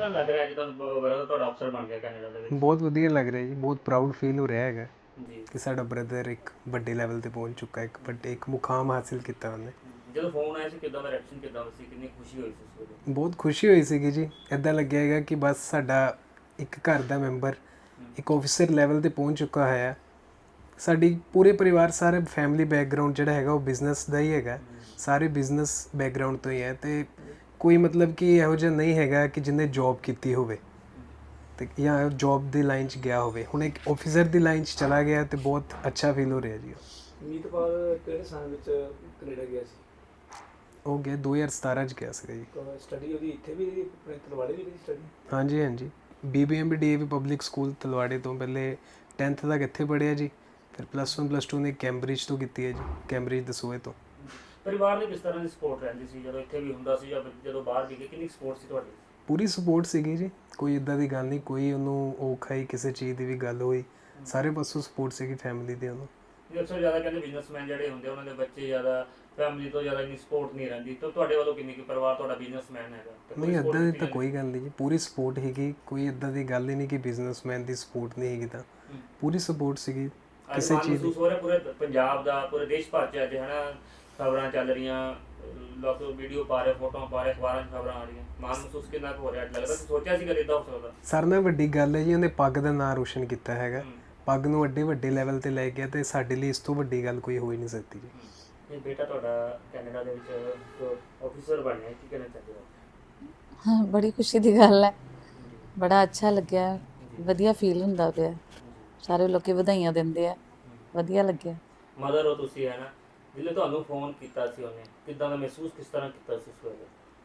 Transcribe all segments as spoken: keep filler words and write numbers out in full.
ਤਰ੍ਹਾਂ ਲੱਗ ਰਿਹਾ ਜਦੋਂ ਬ੍ਰਦਰ ਤੁਹਾਡਾ ਅਫਸਰ ਬਣ ਗਿਆ ਕੈਨੇਡਾ ਦੇ ਵਿੱਚ? ਬਹੁਤ ਵਧੀਆ ਲੱਗ ਰਿਹਾ ਜੀ, ਬਹੁਤ ਪ੍ਰਾਊਡ ਫੀਲ ਹੋ ਰਿਹਾ ਹੈਗਾ ਜੀ। ਕਿ ਸਾਡਾ ਬ੍ਰਦਰ ਇੱਕ ਵੱਡੇ ਲੈਵਲ ਤੇ ਪਹੁੰਚ ਚੁੱਕਾ, ਇੱਕ ਵੱਡੇ ਇੱਕ ਮੁਕਾਮ ਹਾਸਿਲ ਕੀਤਾ ਉਹਨੇ। ਜਦੋਂ ਫੋਨ ਆਇਆ ਸੀ ਕਿੱਦਾਂ ਦਾ ਰਿਐਕਸ਼ਨ ਕਿੱਦਾਂ ਸੀ, ਕਿੰਨੀ ਖੁਸ਼ੀ ਹੋਈ ਸੀ ਉਸ ਵੇਲੇ? ਬਹੁਤ ਖੁਸ਼ੀ ਹੋਈ ਸੀਗੀ ਜੀ। ਇੱਦਾਂ ਲੱਗਿਆ ਹੈਗਾ ਕਿ ਬਸ ਸਾਡਾ ਇੱਕ ਘਰ ਦਾ ਮੈਂਬਰ ਇੱਕ ਆਫਿਸਰ ਲੈਵਲ ਤੇ ਪਹੁੰਚ ਚੁੱਕਾ ਹੈ। ਸਾਡੀ ਪੂਰੇ ਪਰਿਵਾਰ ਸਾਰੇ ਫੈਮਿਲੀ ਬੈਕਗ੍ਰਾਉਂਡ ਜਿਹੜਾ ਹੈਗਾ ਉਹ ਬਿਜ਼ਨਸ ਦਾ ਹੀ ਹੈਗਾ, ਸਾਰੇ ਬਿਜ਼ਨਸ ਬੈਕਗ੍ਰਾਉਂਡ ਤੋਂ ਹੀ ਹੈ ਤੇ ਕੋਈ ਮਤਲਬ ਕਿ ਇਹੋ ਜਿਹਾ ਨਹੀਂ ਹੈਗਾ ਕਿ ਜਿਹਨੇ ਜੌਬ ਕੀਤੀ ਹੋਵੇ ਤੇ ਜਾਂ ਜੌਬ ਦੀ ਲਾਈਨ 'ਚ ਗਿਆ ਹੋਵੇ। ਹੁਣ ਇੱਕ ਆਫਿਸਰ ਦੀ ਲਾਈਨ 'ਚ ਚਲਾ ਗਿਆ ਤੇ ਬਹੁਤ ਅੱਛਾ ਫੀਲ ਹੋ ਰਿਹਾ ਜੀ। ਮੀਤਪਾਲ ਕਿਹੜੇ ਸਾਲ ਵਿੱਚ ਕੈਨੇਡਾ ਗਿਆ ਸੀ? ਉਹ ਗਿਆ ਦੋ ਹਜ਼ਾਰ ਸਤਾਰਾਂ 'ਚ ਗਿਆ ਸੀਗਾ ਜੀ। ਸਟੱਡੀ ਉਹਦੀ ਇੱਥੇ ਵੀ ਆਪਣੇ ਤਲਵਾੜੇ ਵੀ ਕੀਤੀ ਸਟੱਡੀ? ਹਾਂਜੀ ਹਾਂਜੀ, B B M B D A V public school ਤਲਵਾੜੇ ਤੋਂ ਪਹਿਲੇ ਟੈਂਥ ਤੱਕ ਇੱਥੇ ਪੜ੍ਹਿਆ ਜੀ, ਫਿਰ ਪਲੱਸ ਵਨ ਪਲੱਸ ਟੂ ਨੇ ਕੈਂਬਰਿਜ ਤੋਂ ਕੀਤੀ ਹੈ ਜੀ, ਕੈਂਬਰਿਜ ਦਸੂਹੇ ਤੋਂ। ਪਰਿਵਾਰ ਦੀ ਕਿਸ ਤਰ੍ਹਾਂ ਦੀ ਸਪੋਰਟ ਰਹਿੰਦੀ ਸੀ ਜਦੋਂ ਇੱਥੇ ਵੀ ਹੁੰਦਾ ਸੀ ਜਾਂ ਜਦੋਂ ਬਾਹਰ ਵੀ ਗਏ, ਕਿੰਨੀ ਸਪੋਰਟ ਸੀ ਤੁਹਾਡੀ? ਪੂਰੀ ਸਪੋਰਟ ਸੀਗੀ ਜੀ, ਕੋਈ ਇੱਦਾਂ ਦੀ ਗੱਲ ਨਹੀਂ, ਕੋਈ ਉਹਨੂੰ ਔਖਾ ਹੀ ਕਿਸੇ ਚੀਜ਼ ਦੀ ਵੀ ਗੱਲ ਹੋਈ, ਸਾਰੇ ਪਾਸੋਂ ਸਪੋਰਟ ਸੀਗੀ ਫੈਮਿਲੀ ਦੀ ਉਹਨੂੰ। ਜੀ ਅਕਸਰ ਜ਼ਿਆਦਾ ਕਹਿੰਦੇ ਬਿਜ਼ਨਸਮੈਨ ਜਿਹੜੇ ਹੁੰਦੇ ਉਹਨਾਂ ਦੇ ਬੱਚੇ ਜ਼ਿਆਦਾ ਫੈਮਿਲੀ ਤੋਂ ਜ਼ਿਆਦਾ ਇੰਨੀ ਸਪੋਰਟ ਨਹੀਂ ਰਹਿੰਦੀ, ਤਾਂ ਤੁਹਾਡੇ ਵੱਲੋਂ ਕਿੰਨੀ ਕਿ ਪਰਿਵਾਰ ਤੁਹਾਡਾ ਬਿਜ਼ਨਸਮੈਨ ਹੈਗਾ? ਨਹੀਂ ਇੱਦਾਂ ਦੀ ਤਾਂ ਕੋਈ ਗੱਲ ਨਹੀਂ ਜੀ, ਪੂਰੀ ਸਪੋਰਟ ਹੈਗੀ, ਕੋਈ ਇੱਦਾਂ ਦੀ ਗੱਲ ਹੀ ਨਹੀਂ ਕਿ ਬਿਜ਼ਨਸਮੈਨ ਦੀ ਸਪੋਰਟ ਨਹੀਂ ਹੈਗੀ, ਤਾਂ ਪੂਰੀ ਸਪੋਰਟ ਸੀਗੀ ਕਿਸੇ ਚੀਜ਼ ਦੀ। ਮਹਿਸੂਸ ਹੋ ਰਿਹਾ ਪੂਰੇ ਪੰਜਾਬ ਦਾ, ਪੂਰੇ ਦੇਸ਼ ਭਰ 'ਚ ਅੱਜ ਹੈ ਨਾ ਖਬਰਾਂ ਚੱਲ ਰਹੀਆਂ, ਲੋਕ ਵੀਡੀਓ ਪਾ ਰਹੇ, ਫੋਟੋਆਂ ਪਾ ਰਹੇ, ਅਖਬਾਰਾਂ 'ਚ ਖਬਰਾਂ ਆ ਰਹੀਆਂ, ਮਾਣ ਮਹਿਸੂਸ ਕਿੰਨਾ ਕੁ ਹੋ ਰਿਹਾ? ਲੱਗਦਾ ਸੋਚਿਆ ਸੀ ਕਦੇ ਇੱਦਾਂ ਹੋ ਸਕਦਾ? ਸਾਰਿਆਂ ਨਾਲ ਵੱਡੀ ਗੱਲ ਹੈ ਜੀ, ਉਹਨੇ ਪੱਗ ਦਾ ਨਾਂ ਰੋਸ਼ਨ ਕੀਤਾ ਹੈਗਾ, ਪੱਗ ਨੂੰ ਵੱਡੇ ਵੱਡੇ ਲੈਵਲ ਤੇ ਲੈ ਗਿਆ ਤੇ ਸਾਡੇ ਲਈ ਇਸ ਤੋਂ ਵੱਡੀ ਗੱਲ ਕੋਈ ਹੋ ਹੀ ਨਹੀਂ ਸਕਦੀ ਜੀ। ਇਹ ਬੇਟਾ ਤੁਹਾਡਾ ਕੈਨੇਡਾ ਦੇ ਵਿੱਚ ਆਫਿਸਰ ਬਣਿਆ, ਕੀ ਕਹਿਣਾ ਚਾਹੁੰਦੇ ਹੋ? ਹਾਂ, ਬੜੀ ਖੁਸ਼ੀ ਦੀ ਗੱਲ ਹੈ, ਬੜਾ ਅੱਛਾ ਲੱਗਿਆ, ਵਧੀਆ ਫੀਲ ਹੁੰਦਾ ਪਿਆ, ਸਾਰੇ ਲੋਕੀ ਵਧਾਈਆਂ ਦਿੰਦੇ ਆ, ਵਧੀਆ ਲੱਗਿਆ। ਮਦਰ ਹੋ ਤੁਸੀਂ ਹੈ ਨਾ, ਜਿੱਲੇ ਤੁਹਾਨੂੰ ਫੋਨ ਕੀਤਾ ਸੀ ਉਹਨੇ, ਕਿੱਦਾਂ ਦਾ ਮਹਿਸੂਸ ਕਿਸ ਤਰ੍ਹਾਂ ਕੀਤਾ ਸੀ ਉਸ ਵੇਲੇ?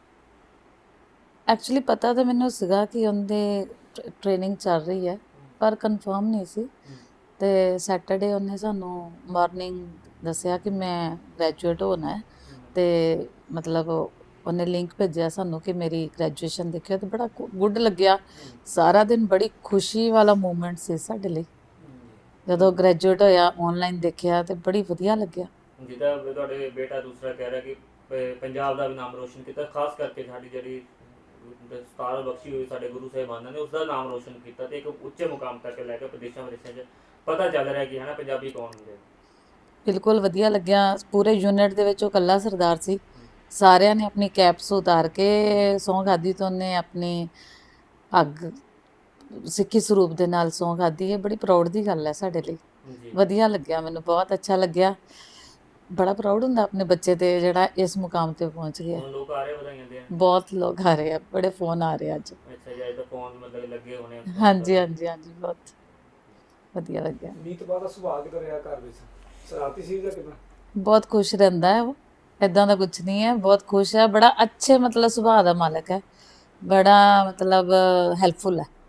ਐਕਚੁਅਲੀ ਪਤਾ ਤਾਂ ਮੈਨੂੰ ਸੀਗਾ ਕਿ ਉਹਦੇ ਟ੍ਰੇਨਿੰਗ ਚੱਲ ਰਹੀ ਹੈ, ਪਰ ਕਨਫਰਮ ਨਹੀਂ ਸੀ। ਤੇ ਸੈਟਰਡੇ ਉਹਨੇ ਸਾਨੂੰ ਮਾਰਨਿੰਗ ਦੱਸਿਆ ਕਿ ਮੈਂ ਗ੍ਰੈਜੂਏਟ ਹੋਣਾ ਹੈ, ਤੇ ਮਤਲਬ ਉਹਨੇ ਲਿੰਕ ਭੇਜਿਆ ਸਾਨੂੰ ਕਿ ਮੇਰੀ ਗ੍ਰੈਜੂਏਸ਼ਨ ਦੇਖਿਆ, ਤੇ ਬੜਾ ਗੁੱਡ ਲੱਗਿਆ। ਸਾਰਾ ਦਿਨ ਬੜੀ ਖੁਸ਼ੀ ਵਾਲਾ ਮੂਮੈਂਟ ਸੀ ਸਾਡੇ ਲਈ, ਜਦੋਂ ਗ੍ਰੈਜੂਏਟ ਹੋਇਆ ਆਨਲਾਈਨ ਦੇਖਿਆ ਤੇ ਬੜੀ ਵਧੀਆ ਲੱਗਿਆ। ਜਿੱਦਾਂ ਤੁਹਾਡੇ ਬੇਟਾ ਦੂਸਰਾ ਕਹਿ ਰਿਹਾ ਕਿ ਪ- ਪੰਜਾਬ ਦਾ ਵੀ ਨਾਮ ਰੋਸ਼ਨ ਕੀਤਾ, ਖਾਸ ਕਰਕੇ ਸਾਡੀ ਜਿਹੜੀ ਦਸਤਾਰ ਬਖਸ਼ੀ ਹੋਈ ਸਾਡੇ ਗੁਰੂ ਸਾਹਿਬਾਨਾਂ ਨੇ, ਉਸ ਦਾ ਨਾਮ ਰੋਸ਼ਨ ਕੀਤਾ ਤੇ ਇੱਕ ਉੱਚੇ ਮੁਕਾਮ ਤੱਕ ਲੈ ਕੇ ਵਿਦੇਸ਼ਾਂ ਵਿਦੇਸ਼ਾਂ 'ਚ ਪਤਾ ਚੱਲ ਰਿਹਾ ਕਿ ਹੈ ਨਾ ਪੰਜਾਬੀ ਕੌਣ ਹੁੰਦੇ। ਬਿਲਕੁਲ ਵਧੀਆ ਲੱਗਿਆ। ਪੂਰੇ ਯੂਨਿਟ ਦੇ ਵਿੱਚ ਉਹ ਇਕੱਲਾ ਸਰਦਾਰ ਸੀ, ਸਾਰਿਆਂ ਨੇ ਆਪਣੀ ਕੈਪਸ ਉਤਾਰ ਕੇ ਸਹੁੰ ਖਾਧੀ ਤੇ ਉਹਨੇ ਆਪਣੀ ਅੱਗ ਸਿੱਖੀ ਸਰੂਪ ਦੇ ਨਾਲ ਸਹੁੰ ਖਾਧੀ ਹੈ। ਬੜੀ ਪ੍ਰਾਊਡ ਦੀ ਗੱਲ ਹੈ ਸਾਡੇ ਲਈ, ਵਧੀਆ ਲੱਗਿਆ, ਮੈਨੂੰ ਬਹੁਤ ਅੱਛਾ ਲੱਗਿਆ। ਬੜਾ ਪ੍ਰਾਊਡ ਹੁੰਦਾ ਆਪਣੇ ਬੱਚੇ ਤੇ ਜਿਹੜਾ ਇਸ ਮੁਕਾਮ ਤੇ ਪਹੁੰਚ ਗਿਆ। ਲੋਕ ਆ ਰਹੇ ਵਧਾਈਆਂ ਦੇਣ, ਬਹੁਤ ਲੋਕ ਆ ਰਹੇ ਆ, ਬੜੇ ਫੋਨ ਆ ਰਹੇ ਅੱਜ। ਅੱਛਾ ਜੀ, ਅੱਜ ਤਾਂ ਫੋਨ ਮਤਲਬ ਲੱਗੇ ਹੋਣੇ? ਹਾਂਜੀ ਹਾਂਜੀ ਹਾਂਜੀ, ਬਹੁਤ ਵਧੀਆ ਲੱਗਿਆ। ਮੀਤਪਾਲ ਦਾ ਸੁਭਾਅ ਕਿਦਾਂ ਰਿਹਾ ਘਰ ਵਿੱਚ? ਸ਼ਰਾਰਤੀ ਸੀ ਜਾਂ ਕਿਦਾਂ? ਬਹੁਤ ਖੁਸ਼ ਰਹਿੰਦਾ ਹੈ ਉਹ, ਇੱਦਾਂ ਦਾ ਕੁਝ ਨਹੀਂ ਹੈ, ਬਹੁਤ ਖੁਸ਼ ਹੈ, ਬੜਾ ਅੱਛੇ ਮਤਲਬ ਸੁਭਾਅ ਦਾ ਮਾਲਕ ਹੈ, ਬੜਾ ਮਤਲਬ ਹੈਲਪਫੁਲ ਹੈ।